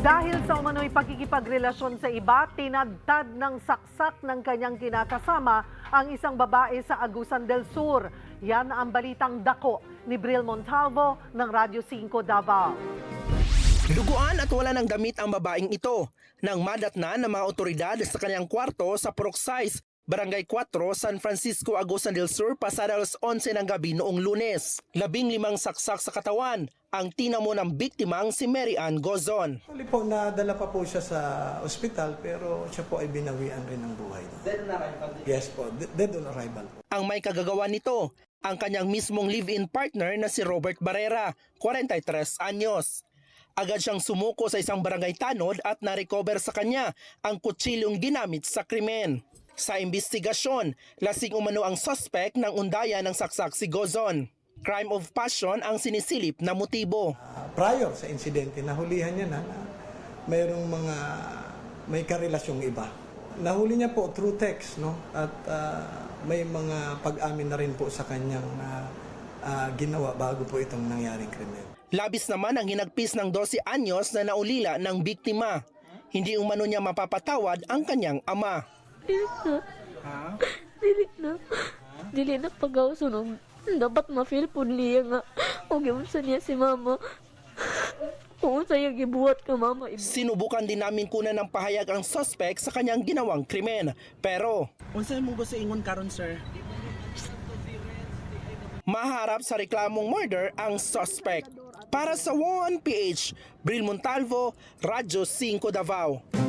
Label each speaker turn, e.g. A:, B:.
A: Dahil sa umano'y pakikipagrelasyon sa iba, tinadtad ng saksak ng kanyang kinakasama ang isang babae sa Agusan del Sur. Yan ang balitang dako ni Bril Montalvo ng Radyo 5 Davao.
B: Duguan at wala ng damit ang babaeng ito nang madatnan ng mga otoridad sa kanyang kwarto sa Purok 6, Barangay 4, San Francisco, Agusan del Sur, pasada alas 11 ng gabi noong Lunes. 15 saksak sa katawan ang tinamo ng biktimang si Mary Ann Gozon.
C: Actually po, nadala pa po siya sa ospital pero siya po ay binawian rin ng buhay. Dead on arrival? Yes po, dead on arrival.
B: Ang may kagagawa nito, ang kanyang mismong live-in partner na si Robert Barrera, 43 anyos. Agad siyang sumuko sa isang barangay tanod at na-recover sa kanya ang kutsilyong ginamit sa krimen. Sa investigasyon, lasing umano ang suspect ng undayan ng saksak si Gozon. Crime of passion ang sinisilip na motibo.
C: Prior sa insidente, nahulihan niya na mayroong may karelasyong iba. Nahuli niya po through text, no? At may mga pag-amin na rin po sa kanyang ginawa bago po itong nangyaring krimen.
B: Labis naman ang hinagpis ng 12 anyos na naulila ng biktima. Hindi umano niya mapapatawad ang kanyang ama.
D: Dili na pag-ausunog. Dapat ma-feel po niya nga. Huwag yung sa niya si mama. Kung sa'yo gibuhat ka mama.
B: Sinubukan din namin kunan ng pahayag ang suspect sa kanyang ginawang krimen. Pero
E: Unsay mo gusto ingon karon, sir?
B: maharap sa reklamong murder ang suspect. Para sa 1PH, Bril Montalvo, Radyo 5 Davao.